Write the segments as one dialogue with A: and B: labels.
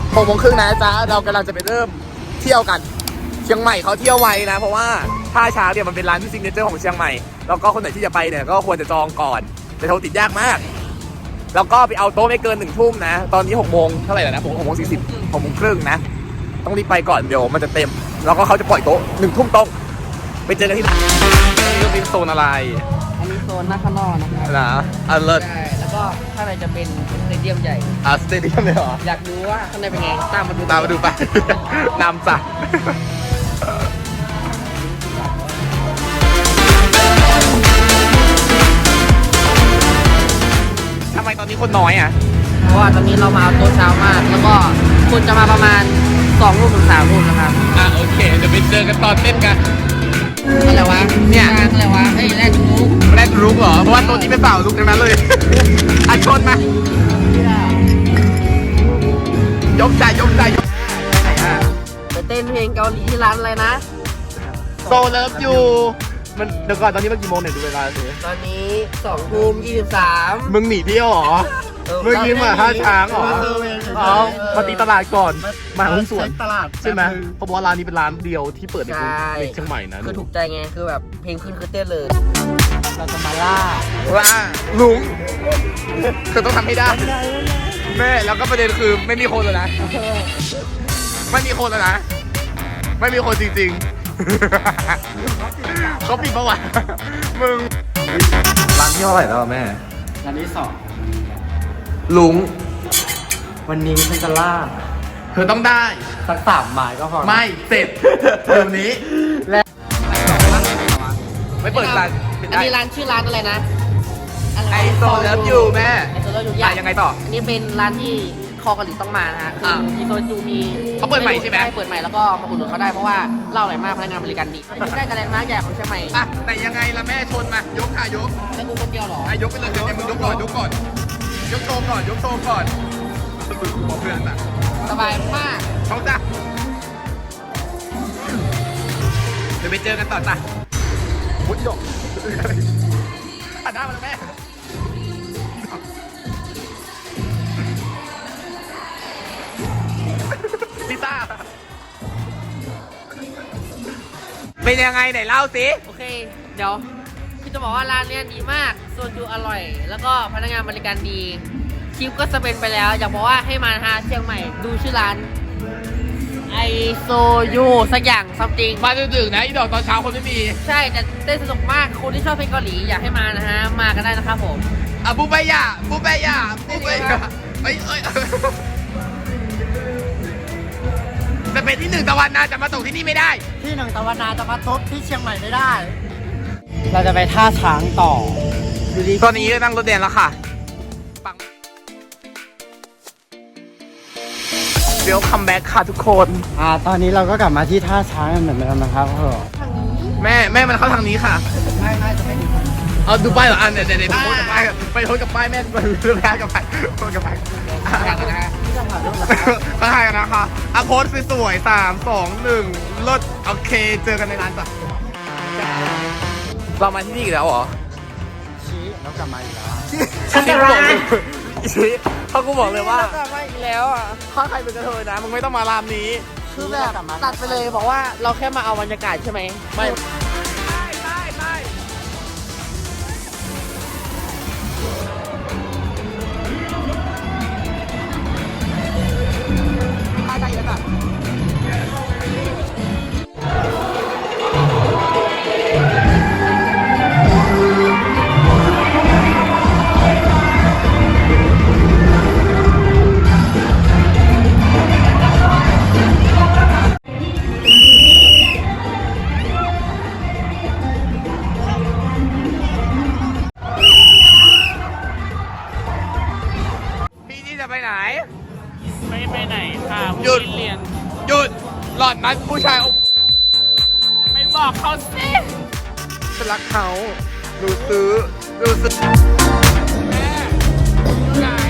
A: 6 โมงครึ่งนะจ๊ะเรากำลังจะไปเริ่มเที่ยวกันเชียงใหม่เขาเที่ยวไวนะเพราะว่าท่าช้างเนี่ยมันเป็นร้านที่ซิงเกิลเจอร์ของเชียงใหม่แล้วก็คนไหนที่จะไปเนี่ยก็ควรจะจองก่อนแต่โทรติดยากมากแล้วก็ไปเอาโต๊ะไม่เกิน1 ทุ่มนะตอนนี้6 โมงเท่าไหร่แล้วนะ6 โมง 40 6 โมงครึ่งนะต้องรีบไปก่อนเดี๋ยวมันจะเต็มแล้วก็เขาจะปล่อยโต๊ะ1 ทุ่มตรงไปเจอกันที่นี่ก็เป็นโซนอะไร
B: อันนี้โซนหน้าข้างนอกนะครับ
A: นะอันเลิศ
B: ใช่แล้วก็ข้างในจะเป็นสเตเดียมใหญ่
A: สเตเดียมเลยเหรอ
B: อยากดูว่าข้างในเป็นไงตามมาดู
A: ตามมาดูไป นำจ้ะทำไมตอนนี้คนน้อยอ่ะ
B: เพราะว่าตอนนี้เรามาเอาโต๊ะเช้ามาก แล้วก็คนจะมาประมาณ2 ทุ่มถึง3 ทุ่มนะครับ
A: โอเคเดี๋ยวไปเจอกันตอนเต้นกัน
B: อะไรวะ
A: เนี่ย
B: อะไรวะเฮ้ยแรดทูก
A: แรดลุกเหรอ เพราะว่าตัวนี้เป็นเปล่าลุกทั้งนั้นเลย อัดชนมายกใจยกใจยก
B: ไปเต้นเพลงเกาหลีที่ร้านอะไรนะ
A: โซเลิฟอยู่มันเดี๋ยวก่อนตอนนี้มันกี่โมงเนี่ยดูเวลาสิ
B: ตอนนี้2 ทุ่ม 23
A: มึงหนีเที่ยวเหรอ มึงยิ้มอ่ะท่าช้างเหรออ๋อมาตีตลาดก่อนมาหุ้นส่วน
C: ตลาด
A: ใช่ไหมเพราะว่าร้านนี้เป็นร้านเดียวที่เปิดในเชียงใหม่นะ
B: คือถูกใจไง คือแบบเพลงขึ้นคือเต้นเลย
C: เราจะมาล่า
A: ว่าลุงคือต้องทำให้ได้ แม่แล้วก็ประเด็นคือไม่มีคนเลยนะไม่มีคนแล้วนะไม่มีคนจริงๆเขาปิดประวัติมึงร้านที่เท่าไหร่แล้วแม่
C: อันที่สอง
A: ลุง
C: วันนี้ฉันจะล่า
A: เธอต้องได้
C: สัก3 หมายก็พอ
A: ไม่เสร็จเดี๋ยวนี้
C: และ
A: ไม่เปิดร้าน
B: อันนี้ร้านชื่อร้านอะไรนะ
A: ไอโซเลิฟอยู่แม่
B: ไอโซเลิฟอยู่
A: ยังไงต่อ
B: อันนี้เป็นร้านที่คอเกาหลีต้องมานะฮะคือมีโซจูมี
A: เขาเปิดใหม่ใช่ไหม
B: เปิดใหม่แล้วก็มาอุดหนุนเขาได้เพราะว่าเหล้าอร่อยมากพนักงานบริการดีอยู่ใกล้กับแลนด์มาร์คใหญ่ของเชียงใหม่
A: อ่ะแต่ยังไงล่ะแม่ชนมายกค่ะยก
B: แล้วกูคนเดียวเหรอ
A: ยกไปเลยเดี๋ยวมึงยกก่อนยกก่อนยกโชว์ก่อนยกโชว์ก่อนบอกเพื่อนอ่ะ
B: สบายมาก
A: เขาจ้ะเดี๋ยวไปเจอกันต่อจ้ะวุ้ยดกอัดได้มาแล้วแม่ลิซ่าเป็นยังไงไหนเล่าสิ
B: โอเค เดี๋ยวพี่จะบอกว่าร้านเนี้ยดีมากโซจูอร่อย แล้วก็พนักงานบริการดีคลิปก็สเปนไปแล้วอยากบอกว่าให้มานะฮะเชียงใหม่ดูชื่อร้านไอโซยูสักอย่างซัมติง
A: มาดึกๆนะอีดอกตอนเช้าคนไม่มี
B: ใช่แต่เต้นสนุกมากคนที่ชอบเพลงเกาหลีอยากให้มานะฮะมากันได้นะครับผม
A: บูเบย่าบูเบย่าบูเบย่าเอ้ยจะเป็นที่1 ตะวันนะจะมาตกที่นี่ไม่ได้
C: ที่หนึ่งตะวันนาจะมาทบที่เชียงใหม่ไม่ได้ เราจะไปท่าช้างต่อดูดิ
A: ตอนนี้นั่งรถแดงแล้วค่ะปังเดี๋ยวคัมแบ็กค่ะทุกคน
C: ตอนนี้เราก็กลับมาที่ท่าช้างกันเหมือนเดิมนะครับพ่อ
A: แม่มันเข้าทางนี้ค่ะ
C: ไม่จะไม่ดี
A: เอาดูป้ายเหรอเดี๋ยวโพสกับป้ายไปโพสกับป้ายแม่เรื่องแพ้กับป้ายโพสกับป้าย
C: ที่จะผ่านรูปหลัง
A: มาถ่ายกันนะคะโพสสวยๆ3 2 1ลดโอเคเจอกันในร้านจ้ะเรามาที่นี่อีกแล้วเหรอ
C: ชี้แล้วกลับมาอีกแล้ว
A: ชี้บอกเลยชี้เขากูบอกเลยว่า
B: กลับมาอีกแล้วอ่ะ
A: ถ้าใครเป็นกระเทยนะมึงไม่ต้องมาร้านนี้
B: คือแบบตัดไปเลยบอกว่าเราแค่มาเอาบรรยากาศใช่ไหม
A: ไม่พี่นี่จะไปไหน
D: ไม่ไปไหนค่ะ
A: หยุด
D: เรียน
A: หยุดหล่อนนัดผู้ชาย
D: ไม่บอกเขาสิ
A: ฉันรักเขาดูซื้อแม่ไหน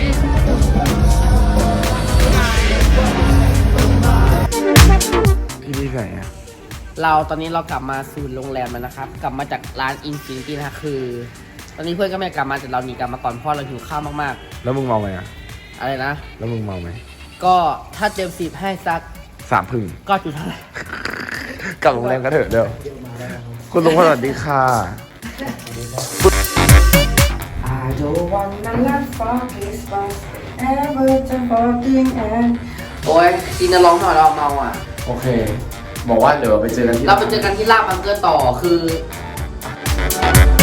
A: พี่นี่ไหนอะ
B: เราตอนนี้เรากลับมาสู่โรงแรมแล้วนะครับ กลับมาจากร้านอินฟินิตี้นะคะคือ ตอนนี้เพื่อนก็ไม่กลับมาแต่เราหนีกลับมาก่อนเพราะเราหิวข้าวมาก
A: แล้วมึงเมาไหมอะ
B: ๆอะไรนะ
A: แล้วมึงเมาไหม
B: ก็ถ้าเต็ม10ให้สัก
A: 3 พึ่ง
B: ก็จุดเท่าไหร่
A: กลับโรงแรมกันเถอะเดี๋ยวคุณลุงสวัสดีค่ะ
E: I don't wanna let focus but ever to fucking end
B: โอ้ยจีนจะร้องหน่อยเราเมาอ่ะ
A: โอเค บอกว่าเดี๋ยวไปเจอกันที่
B: เราไปเจอกันที่ลาบบังเกอร์ต่อคือ